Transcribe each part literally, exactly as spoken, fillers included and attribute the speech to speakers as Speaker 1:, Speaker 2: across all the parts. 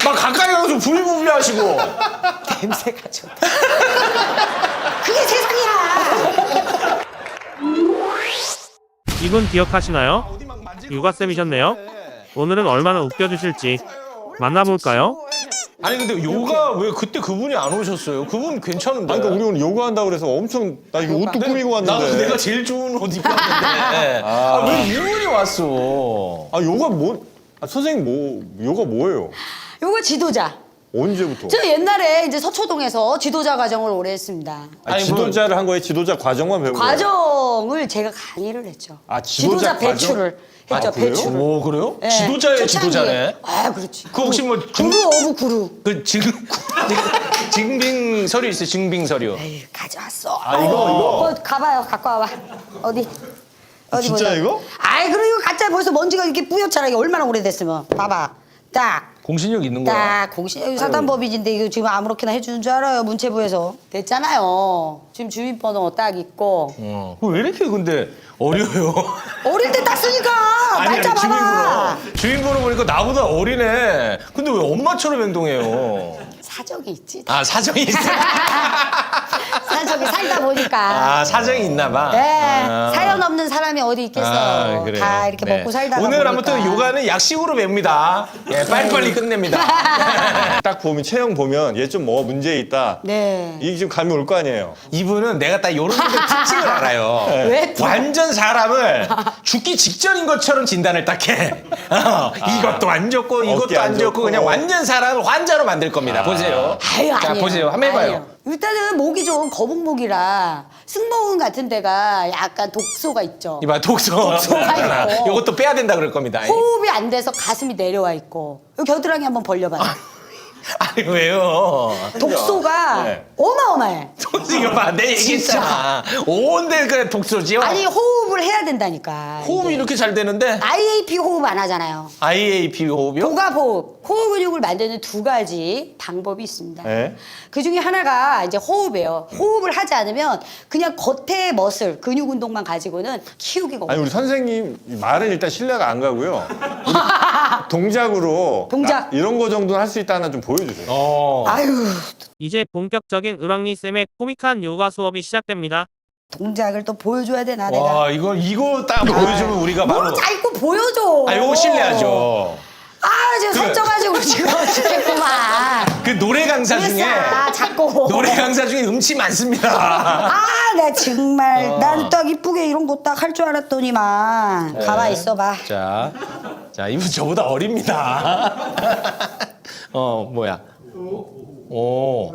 Speaker 1: 막 가까이 가서 부비부비 하시고.
Speaker 2: 냄새가 좋다. 그게 세상이야.
Speaker 3: 이분 기억하시나요? 요가쌤이셨네요. 오늘은 얼마나 웃겨주실지 만나볼까요?
Speaker 1: 아니 근데 요가 왜 그때 그분이 안 오셨어요? 그분 괜찮은데.
Speaker 4: 아니, 그러니까 우리 오늘 요가 한다고 그래서 엄청 나 이거 옷도 꾸미고 왔는데.
Speaker 1: 나도 내가 제일 좋은 옷 입고 왔는데. 아, 왜 이분이 왔어?
Speaker 4: 아 요가 뭐? 아, 선생님 뭐 요가 뭐예요?
Speaker 2: 요거 지도자.
Speaker 4: 언제부터?
Speaker 2: 저 옛날에 이제 서초동에서 지도자 과정을 오래 했습니다.
Speaker 4: 아니,
Speaker 1: 아니,
Speaker 4: 지도자를 한 거예요? 지도자 과정만 배운 거예요?
Speaker 2: 과정을 제가 강의를 했죠.
Speaker 4: 아, 지도자 과정?
Speaker 2: 배출을 했죠.
Speaker 4: 아, 그래요?
Speaker 2: 배출을.
Speaker 1: 오 그래요?
Speaker 2: 예,
Speaker 1: 지도자의
Speaker 2: 초창기에.
Speaker 1: 지도자네.
Speaker 2: 아, 그렇지.
Speaker 1: 그 혹시 뭐 중-
Speaker 2: 구루 오브 구루.
Speaker 1: 그 지금 증빙 서류 있어요? 증빙 서류.
Speaker 2: 에이, 가져왔어.
Speaker 4: 아, 이거, 이거?
Speaker 2: 어, 가봐요. 갖고 와봐. 어디? 어디
Speaker 4: 진짜
Speaker 2: 보자.
Speaker 4: 이거?
Speaker 2: 아이, 그리고 이거 가짜 벌써 먼지가 이렇게 뿌옇잖아. 이게 얼마나 오래됐으면. 봐봐. 딱.
Speaker 1: 공신력 있는 거야.
Speaker 2: 딱 공시 사단법인인데 이거 지금 아무렇게나 해주는 줄 알아요 문체부에서 됐잖아요. 지금 주민번호 딱 있고
Speaker 1: 어. 왜 이렇게 근데 어려요?
Speaker 2: 어릴 때 딱 쓰니까 날짜 봐봐.
Speaker 1: 주민번호. 주민번호 보니까 나보다 어리네. 근데 왜 엄마처럼 행동해요?
Speaker 2: 사정이 있지.
Speaker 1: 아 사정이 있어.
Speaker 2: 사정이 살다 보니까.
Speaker 1: 아 사정이 있나 봐.
Speaker 2: 네
Speaker 1: 아.
Speaker 2: 사연 없는 사람이 어디 있겠어.
Speaker 1: 아, 그래요.
Speaker 2: 다 이렇게
Speaker 1: 네.
Speaker 2: 먹고 살다가
Speaker 1: 오늘
Speaker 2: 보니까.
Speaker 1: 아무튼 요가는 약식으로 맵니다. 예, 빨리빨리 끝냅니다.
Speaker 4: 딱 보면 체형 보면 얘 좀 뭐 문제 있다.
Speaker 2: 네.
Speaker 4: 이게 지금 감이 올 거 아니에요.
Speaker 1: 이분은 내가 딱 요런 분들 특징을 알아요.
Speaker 2: 왜 또?
Speaker 1: 완전 사람을 죽기 직전인 것처럼 진단을 딱 해. 어, 이것도 안 좋고 이것도
Speaker 4: 어깨
Speaker 1: 안
Speaker 4: 안
Speaker 1: 좋고
Speaker 4: 좋고.
Speaker 1: 그냥 완전 사람을 환자로 만들 겁니다. 보세요.
Speaker 2: 아유,
Speaker 1: 자,
Speaker 2: 아니에요.
Speaker 1: 보세요. 한번 해봐요.
Speaker 2: 아니에요. 일단은 목이 좀 거북목이라 승모근 같은 데가 약간 독소가 있죠.
Speaker 1: 이봐 독소.
Speaker 2: 독소가 있고.
Speaker 1: 요것도 빼야 된다 그럴 겁니다.
Speaker 2: 호흡이 안 돼서 가슴이 내려와 있고 여기 겨드랑이 한번 벌려봐요.
Speaker 1: 아니 왜요?
Speaker 2: 독소가
Speaker 4: 네.
Speaker 2: 어마어마해.
Speaker 1: 이거 봐, 내 얘기했잖아. 온데 그 독소지요.
Speaker 2: 아니 호흡을 해야 된다니까.
Speaker 1: 호흡이 이렇게 잘 되는데
Speaker 2: 아이에이피 호흡 안 하잖아요.
Speaker 1: 아이에이피 호흡이요?
Speaker 2: 고갑 호흡, 호흡 근육을 만드는 두 가지 방법이 있습니다.
Speaker 4: 네.
Speaker 2: 그 중에 하나가 이제 호흡이에요. 호흡을 하지 않으면 그냥 겉에 머슬, 근육 운동만 가지고는 키우기가
Speaker 4: 아니
Speaker 2: 어려워요.
Speaker 4: 우리 선생님 말은 일단 신뢰가 안 가고요. 우리 동작으로
Speaker 2: 동작.
Speaker 4: 나- 이런 거 정도는 할 수 있다는 좀 보여주세요.
Speaker 1: 어.
Speaker 2: 아유,
Speaker 3: 이제 본격적인 을왕리쌤의 코믹한 요가 수업이 시작됩니다.
Speaker 2: 동작을 또 보여줘야 되나 내가.
Speaker 1: 와 이거 이거 딱 보여주면 우리가 바로.
Speaker 2: 뭘 자꾸 보여줘.
Speaker 1: 아 요거 신뢰하죠.
Speaker 2: 아, 지금 살쪄가지고 지금 어찌됐구만.
Speaker 1: 그 노래 강사 중에
Speaker 2: 아, 자꾸.
Speaker 1: 노래 강사 중에 음치 많습니다.
Speaker 2: 아, 나 정말 난 딱 이쁘게 이런 거 딱 할 줄 알았더니만.
Speaker 1: 네.
Speaker 2: 가만 있어봐.
Speaker 1: 자, 자 이분 저보다 어립니다. 어 뭐야? 오.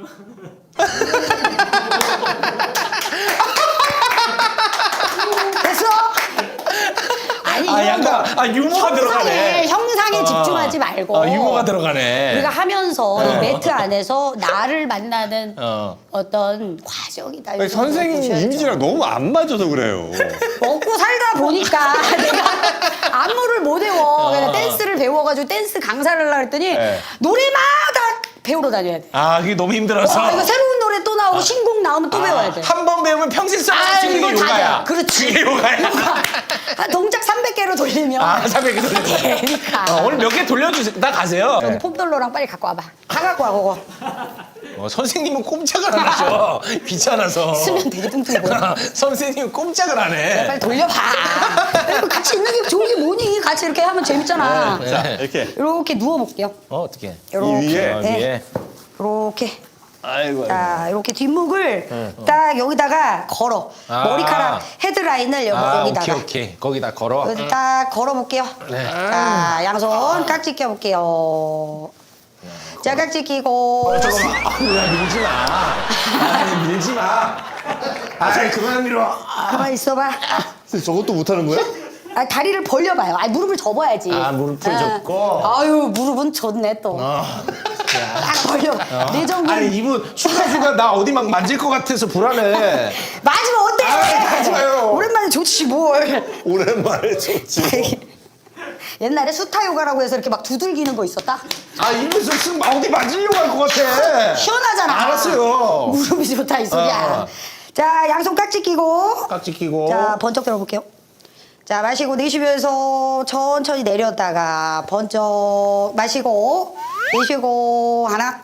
Speaker 2: 됐어? 아니
Speaker 1: 아
Speaker 2: 이런
Speaker 1: 약간
Speaker 2: 거
Speaker 1: 아 유머가 들어가네.
Speaker 2: 형상에, 형상에
Speaker 1: 어.
Speaker 2: 집중하지 말고
Speaker 1: 아 유머가 들어가네.
Speaker 2: 우리가 하면서 이 매트 안에서 나를 만나는
Speaker 1: 어.
Speaker 2: 어떤 과정이다.
Speaker 4: 아니, 선생님 이미지랑 너무 안 맞아서 그래요.
Speaker 2: 먹고 살다 보니까 내가 안무를 못 외워. 그냥 댄스를 배워가지고 댄스 강사를 하려고 했더니
Speaker 4: 네.
Speaker 2: 노래마다 배우러 다녀야 돼.
Speaker 1: 아 그게 너무 힘들어서.
Speaker 2: 아, 이거 새로운 노래 또 나오고 신곡 나오면 또 배워야 돼.
Speaker 1: 한 번 배우면 평생 써볼
Speaker 2: 아,
Speaker 1: 수 있는
Speaker 2: 이거
Speaker 1: 게
Speaker 2: 다
Speaker 1: 요가야.
Speaker 2: 돼. 그렇지.
Speaker 1: 그게 요가야.
Speaker 2: 한 동작 삼백 개로 돌리면
Speaker 1: 아, 삼백 개 돌려.
Speaker 2: 되니까.
Speaker 1: 어, 오늘 몇 개 돌려주세요. 나 가세요.
Speaker 2: 여기 폼돌러랑 빨리 갖고 와봐. 다 갖고 와, 그거.
Speaker 1: 어, 선생님은 꼼짝을 안 하셔. 귀찮아서.
Speaker 2: 쓰면 되게 뚱뚱해 보여.
Speaker 1: 선생님은 꼼짝을 안 해.
Speaker 2: 빨리 돌려봐. 이거 같이 있는 게 좋은 게 뭐니? 같이 이렇게 하면 재밌잖아.
Speaker 1: 네.
Speaker 4: 자 이렇게
Speaker 2: 이렇게 누워볼게요.
Speaker 1: 어, 어떻게?
Speaker 2: 이렇게.
Speaker 4: 이 위에?
Speaker 1: 어,
Speaker 2: 네.
Speaker 1: 위에.
Speaker 2: 이렇게.
Speaker 4: 아이고.
Speaker 2: 자, 이렇게 뒷목을 딱 여기다가 걸어.
Speaker 1: 아.
Speaker 2: 머리카락 헤드라인을 여기,
Speaker 1: 아,
Speaker 2: 여기다가.
Speaker 1: 오케이, 오케이. 거기다 걸어.
Speaker 2: 여기 딱 걸어볼게요.
Speaker 1: 네.
Speaker 2: 자, 양손 깍지 껴볼게요. 자, 깍지 끼고.
Speaker 1: 잠깐만. 아, 야, 밀지 마. 아, 밀지 마. 아, 잘 그만 밀어.
Speaker 2: 가만 있어봐.
Speaker 4: 선생님 저것도 못하는 거야?
Speaker 2: 아, 다리를 벌려봐요. 아, 무릎을 접어야지.
Speaker 1: 아, 무릎을 접고.
Speaker 2: 아유, 무릎은 졌네 또. 딱 벌려. 내전근.
Speaker 1: 아니, 이분 순간순간 나 어디 막 만질 것 같아서 불안해.
Speaker 2: 맞으면 어때?
Speaker 1: 아, 하지 마요.
Speaker 2: 오랜만에 좋지 뭘.
Speaker 4: 오랜만에 좋지.
Speaker 2: 옛날에 수타 요가라고 해서 이렇게 막 두들기는 거 있었다?
Speaker 1: 아, 입에서 쓱 어디 만지려고 할 것 같아.
Speaker 2: 시원하잖아.
Speaker 1: 알았어요.
Speaker 2: 무릎이 좋다 이 소리야.
Speaker 1: 어.
Speaker 2: 자, 양손 깍지 끼고.
Speaker 1: 깍지 끼고.
Speaker 2: 자, 번쩍 들어볼게요. 자, 마시고 내쉬면서 천천히 내렸다가 번쩍 마시고 내쉬고 하나,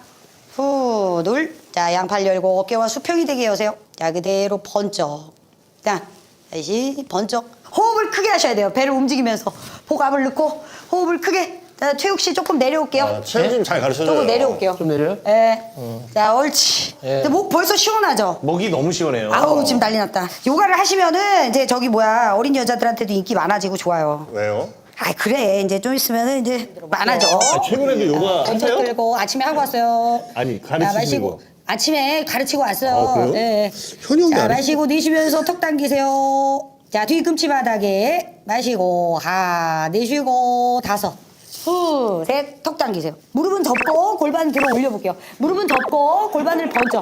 Speaker 2: 후, 둘. 자, 양팔 열고 어깨와 수평이 되게 여세요. 자, 그대로 번쩍. 자, 다시 번쩍. 호흡을 크게 하셔야 돼요. 배를 움직이면서 복압을 넣고 호흡을 크게. 자, 최욱 씨 조금 내려올게요.
Speaker 4: 아, 최욱님 잘 가르쳐줘요.
Speaker 2: 조금 내려올게요.
Speaker 1: 좀 내려요?
Speaker 2: 예. 자, 옳지.
Speaker 1: 예.
Speaker 2: 근데 목 벌써 시원하죠?
Speaker 1: 목이 너무 시원해요.
Speaker 2: 아우, 지금 난리 났다. 요가를 하시면은 이제 저기 뭐야 어린 여자들한테도 인기 많아지고 좋아요.
Speaker 4: 왜요?
Speaker 2: 아 그래 이제 좀 있으면은 이제 많아져.
Speaker 4: 아, 최근에도 요가
Speaker 2: 번쩍
Speaker 4: 하세요?
Speaker 2: 들고 아침에 하고 왔어요.
Speaker 4: 아니,
Speaker 2: 자,
Speaker 4: 가르치시는
Speaker 2: 마시고
Speaker 4: 거.
Speaker 2: 아침에 가르치고 왔어요.
Speaker 4: 아, 그래요?
Speaker 2: 네.
Speaker 4: 현역이
Speaker 2: 자
Speaker 4: 안
Speaker 2: 마시고 내쉬면서 턱 당기세요. 자 뒤꿈치 바닥에 마시고 하 내쉬고 다섯. 후, 셋, 턱 당기세요. 무릎은 접고 골반 들어 올려볼게요. 무릎은 접고 골반을 번쩍.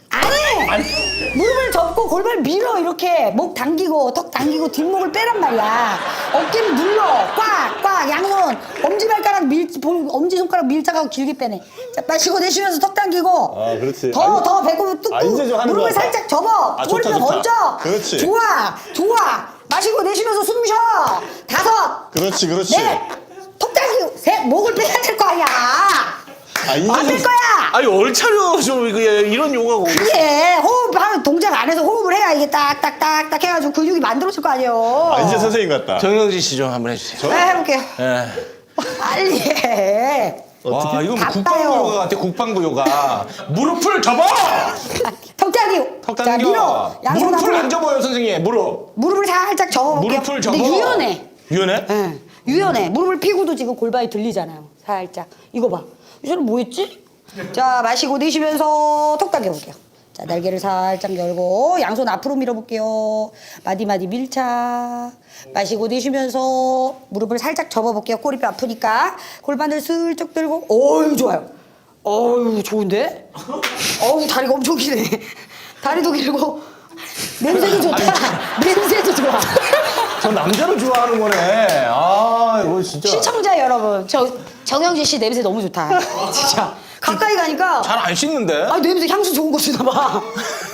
Speaker 2: 아니! 무릎을 접고 골반을 밀어 이렇게 목 당기고 턱 당기고 뒷목을 빼란 말이야. 어깨를 눌러 꽉 꽉 양손 엄지발가락 밀 엄지손가락 밀착하고 길게 빼내. 자 마시고 내쉬면서 턱 당기고
Speaker 4: 아, 그렇지.
Speaker 2: 더
Speaker 4: 아니,
Speaker 2: 더 배꼽을 뚝뚝
Speaker 4: 아, 이제 좀 하는
Speaker 2: 무릎을
Speaker 4: 것 같다.
Speaker 2: 살짝 접어
Speaker 4: 아,
Speaker 2: 꼬리뼈
Speaker 4: 좋다, 좋다.
Speaker 2: 번쩍.
Speaker 4: 그렇지.
Speaker 2: 좋아 좋아 마시고 내쉬면서 숨 쉬어 다섯
Speaker 4: 그렇지, 그렇지.
Speaker 2: 넷 턱 당기고 셋 목을 빼야 될 거 아니야.
Speaker 4: 아, 이제
Speaker 2: 안 될
Speaker 4: 좀-
Speaker 2: 거야.
Speaker 1: 아니 얼차려 좀 이거 이런 요가가 어디-
Speaker 2: 이게 호흡하면 동작 안에서 호흡을 해야 이게 딱딱딱딱 해가지고 근육이 만들어질 거 아니에요.
Speaker 4: 아, 이제 선생님 같다.
Speaker 1: 정영진 씨 좀 한번 해주세요.
Speaker 2: 네, 해볼게요.
Speaker 1: 예.
Speaker 2: 빨리 해.
Speaker 1: 와 이거 뭐
Speaker 2: 바빠요.
Speaker 1: 국방부 요가 같아 국방부 요가. 무릎을 접어.
Speaker 2: 턱 당기고.
Speaker 1: 턱
Speaker 2: 자,
Speaker 1: 당겨.
Speaker 2: 밀어. 양손
Speaker 1: 무릎을
Speaker 2: 앞으로.
Speaker 1: 안 접어요 선생님. 무릎.
Speaker 2: 무릎을 살짝 접어볼게요.
Speaker 1: 무릎을 접어.
Speaker 2: 근데 유연해.
Speaker 1: 유연해?
Speaker 2: 예, 유연해. 무릎을 피고도 지금 골반이 들리잖아요. 살짝. 이거 봐. 이 사람 뭐 했지? 자, 마시고 내쉬면서 턱 당겨볼게요. 자, 날개를 살짝 열고 양손 앞으로 밀어볼게요. 마디마디 밀착. 마시고 내쉬면서 무릎을 살짝 접어볼게요. 꼬리뼈 아프니까. 골반을 슬쩍 들고. 어유 좋아요. 어유 좋은데? 어우, 다리가 엄청 기네. 다리도 길고. 냄새도 좋다. 냄새도 좋아.
Speaker 1: 저 남자를 좋아하는 거네. 아 이거 진짜.
Speaker 2: 시청자 여러분, 저 정영진 씨 냄새 너무 좋다. 진짜 가까이 가니까
Speaker 1: 잘 안 씻는데?
Speaker 2: 아 냄새 향수 좋은 거 쓰나 봐.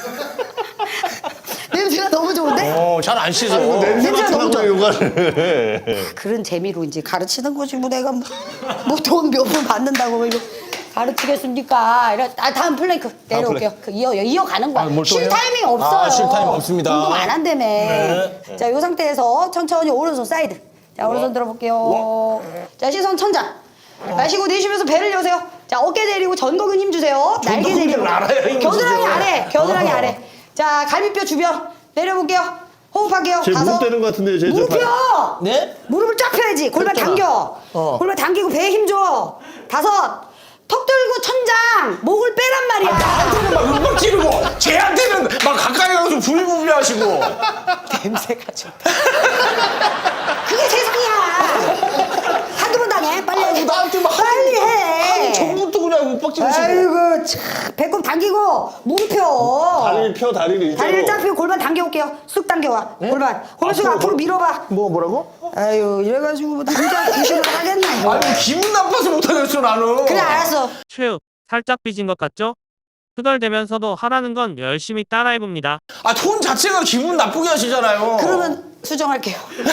Speaker 2: 냄새가 너무 좋은데?
Speaker 1: 어, 잘 안 씻어.
Speaker 4: 냄새
Speaker 2: 냄새가 너무
Speaker 4: 맡으라고
Speaker 2: 좋아.
Speaker 4: 요가를.
Speaker 2: 그런 재미로 이제 가르치는 거지 뭐 내가 뭐돈 몇 푼 받는다고 뭐 이거 가르치겠습니까? 이래. 아 다음 플랭크 내려올게요. 그 이어 이어 가는 거야.
Speaker 1: 아, 뭘또
Speaker 2: 쉴
Speaker 1: 해요?
Speaker 2: 타이밍 없어요.
Speaker 1: 아, 쉴 타이밍 없습니다.
Speaker 2: 운동 안 한다며.
Speaker 1: 네.
Speaker 2: 자, 이 상태에서 천천히 오른손 사이드. 자, 오른손 들어볼게요. 자, 시선 천장. 마시고 내쉬면서 배를 여세요. 자, 어깨 내리고 전거근 힘 주세요. 날개
Speaker 1: 전거근을
Speaker 2: 내리고.
Speaker 1: 알아야 힘을
Speaker 2: 겨드랑이
Speaker 1: 주세요.
Speaker 2: 아래. 겨드랑이
Speaker 1: 어.
Speaker 2: 아래. 자, 갈비뼈 주변 내려볼게요. 호흡할게요.
Speaker 4: 제 무릎 되는 것 같은데, 제
Speaker 2: 무릎
Speaker 4: 저
Speaker 2: 펴.
Speaker 1: 네?
Speaker 2: 무릎을 쫙 펴야지. 골반
Speaker 1: 폈잖아.
Speaker 2: 당겨.
Speaker 1: 어.
Speaker 2: 골반 당기고 배에 힘 줘. 다섯. 턱 들고 천장. 목을 빼란 말이야.
Speaker 1: 나한테는 막 음악 지르고 쟤한테는 막 가까이 가서 부비부비 하시고.
Speaker 2: 냄새가 좋다. 그게 세상이야. 한두 번 당해. 빨리 해.
Speaker 1: 나한테 막
Speaker 2: 빨리 해.
Speaker 1: 전부터 그냥 음악 지르시고.
Speaker 2: 아이고 참. 배꼽 당기고 무릎 펴.
Speaker 4: 다리를 펴, 다리를 일자로.
Speaker 2: 다리를 쫙 펴고 골반 당겨올게요. 쑥 당겨와. 골반. 골반 쑥
Speaker 4: 앞으로,
Speaker 2: 앞으로 밀어봐.
Speaker 1: 뭐 뭐라고?
Speaker 2: 아유 이래가지고 뭐 남자 구실을 하겠나 이거.
Speaker 1: 아니 기분 나빠서 못하겠어 나는.
Speaker 2: 그래 알았어.
Speaker 3: 최욱, 살짝 삐진 것 같죠? 투덜대면서도 하라는 건 열심히 따라해봅니다.
Speaker 1: 아 톤 자체가 기분 나쁘게 하시잖아요.
Speaker 2: 그러면 수정할게요.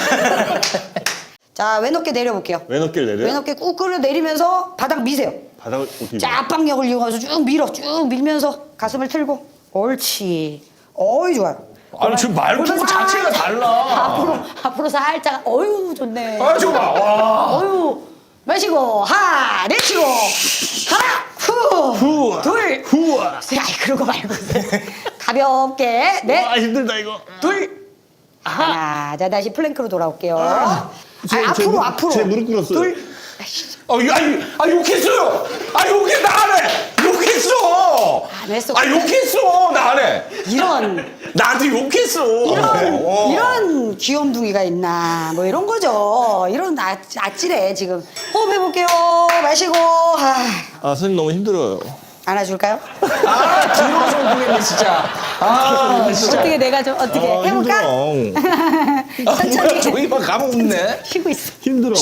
Speaker 2: 자 왼어깨 내려볼게요.
Speaker 4: 왼어깨를 내려.
Speaker 2: 왼어깨 꾹 끌어 내리면서 바닥 미세요.
Speaker 4: 바닥을 어떻게.
Speaker 2: 자 압박력을 이용해서 쭉 밀어 쭉 밀면서 가슴을 틀고 옳지. 어이 좋아요.
Speaker 1: 아니 지금 말투
Speaker 2: 골반
Speaker 1: 자체가
Speaker 2: 살짝
Speaker 1: 달라.
Speaker 2: 앞으로 앞으로 살짝 어유 좋네.
Speaker 1: 아 저거 봐. 와.
Speaker 2: 어유 마시고 하 내쉬고 하나
Speaker 1: 후아.
Speaker 2: 후둘
Speaker 1: 후아.
Speaker 2: 아이 그런 거 말고 가볍게 넷
Speaker 4: 아, 힘들다, 이거.
Speaker 2: 둘 하나 자 다시 플랭크로 돌아올게요. 아,
Speaker 4: 제- 제
Speaker 2: 앞으로
Speaker 4: 무릎-
Speaker 2: 앞으로
Speaker 4: 제 무릎 꿇었어요.
Speaker 2: 둘 아이씨,
Speaker 1: 아, 아니, 아 욕했어요. 아 욕해 나 안 해. 욕했어.
Speaker 2: 안 했어.
Speaker 1: 아 욕했어 나 안 해.
Speaker 2: 이런
Speaker 1: 나한테 욕했어.
Speaker 2: 이런
Speaker 1: 어.
Speaker 2: 이런 귀염둥이가 있나 뭐 이런 거죠. 이런 아, 아찔해 지금. 호흡해 볼게요. 마시고 아,
Speaker 4: 아, 선생님 너무 힘들어요.
Speaker 2: 안아줄까요?
Speaker 1: 아 들어서 보겠네 진짜. 아 진짜.
Speaker 2: 어떻게 내가 좀 어떻게
Speaker 4: 아,
Speaker 2: 해볼까?
Speaker 4: 힘들어.
Speaker 2: 천천히
Speaker 1: 저기만 가면 없네.
Speaker 2: 쉬고 있어.
Speaker 4: 힘들어.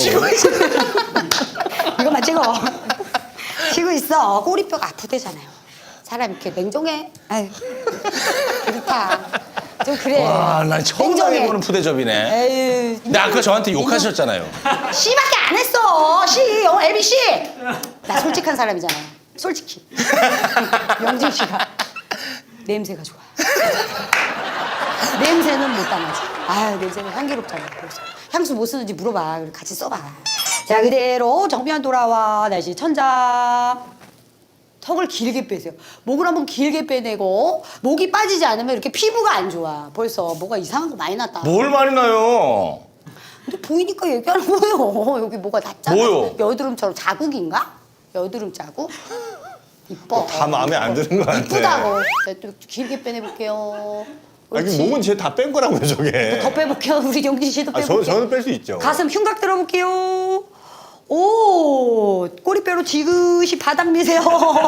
Speaker 2: 이거만 찍어. 쉬고 있어. 꼬리뼈가 아프대잖아요. 사람 이렇게 냉정해. 아유 그렇다. 좀 그래.
Speaker 1: 와나 처음
Speaker 2: 냉정해.
Speaker 1: 당해보는 푸대접이네.
Speaker 2: 에휴.
Speaker 1: 근데 아까 저한테 욕하셨잖아요.
Speaker 2: 씨밖에 안 했어. 씨 영어 에비 씨. 나 솔직한 사람이잖아요. 솔직히. 명진 씨가 냄새가 좋아. 냄새는 못 담아지. 아, 냄새는 향기롭잖아. 그래서 향수 뭐 쓰는지 물어봐. 그리고 같이 써봐. 자, 그대로 정면 돌아와. 다시 천장. 턱을 길게 빼세요. 목을 한번 길게 빼내고 목이 빠지지 않으면 이렇게 피부가 안 좋아. 벌써 뭐가 이상한 거 많이 났다.
Speaker 1: 뭘 많이 나요?
Speaker 2: 근데 보이니까 얘기하는 거예요. 여기 뭐가 났잖아.
Speaker 1: 뭐요?
Speaker 2: 여드름처럼 자국인가? 여드름 자국? 이뻐.
Speaker 4: 다 마음에 안 드는 것 같아.
Speaker 2: 이쁘다고. 자, 또 길게 빼내볼게요.
Speaker 4: 아, 이게
Speaker 2: 옳지.
Speaker 4: 목은 제 다 뺀 거라고요, 저게.
Speaker 2: 더 빼볼게요. 우리 영진 씨도
Speaker 4: 아,
Speaker 2: 빼볼게요.
Speaker 4: 저, 저는 뺄 수 있죠.
Speaker 2: 가슴 흉곽 들어볼게요. 오, 꼬리뼈로 지그시 바닥 미세요.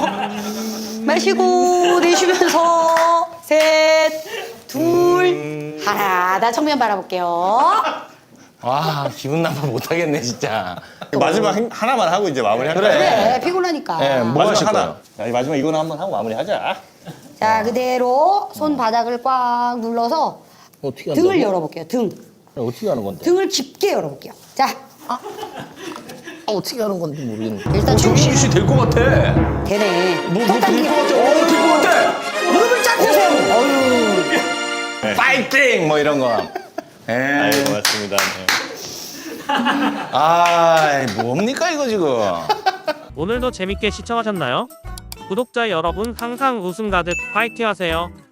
Speaker 2: 마시고 내쉬면서 셋, 둘, 하나. 나 정면 바라볼게요.
Speaker 1: 아 기분 나빠 못하겠네 진짜.
Speaker 4: 마지막 행- 하나만 하고 이제 마무리 할까요?
Speaker 1: 그래.
Speaker 2: 그래, 피곤하니까.
Speaker 1: 예, 뭐 하실
Speaker 4: 마지막
Speaker 1: 거예요?
Speaker 4: 하나. 야, 마지막 이거는 한번 하고 마무리하자.
Speaker 2: 자, 그대로 손 바닥을 꽉 눌러서
Speaker 1: 어떻게
Speaker 2: 등을 열어볼게요. 등.
Speaker 1: 어떻게 하는 건데?
Speaker 2: 등을 깊게 열어볼게요. 자,
Speaker 1: 아, 어떻게 하는 건지 모르겠네.
Speaker 2: 일단 쭉
Speaker 1: 정신 씨 될 것 같아.
Speaker 2: 되네.
Speaker 1: 뭐,
Speaker 2: 턱
Speaker 1: 뭐
Speaker 2: 당기고.
Speaker 1: 될 것 같아. 어, 될 것 같아.
Speaker 2: 무릎을 쫙 펴세요. 어휴.
Speaker 1: 파이팅 뭐 이런 거. 에.
Speaker 4: 아유, 고맙습니다. 네.
Speaker 1: 아, 뭡니까 이거 지금?
Speaker 3: 오늘도 재밌게 시청하셨나요? 구독자 여러분 항상 웃음 가득 파이팅 하세요.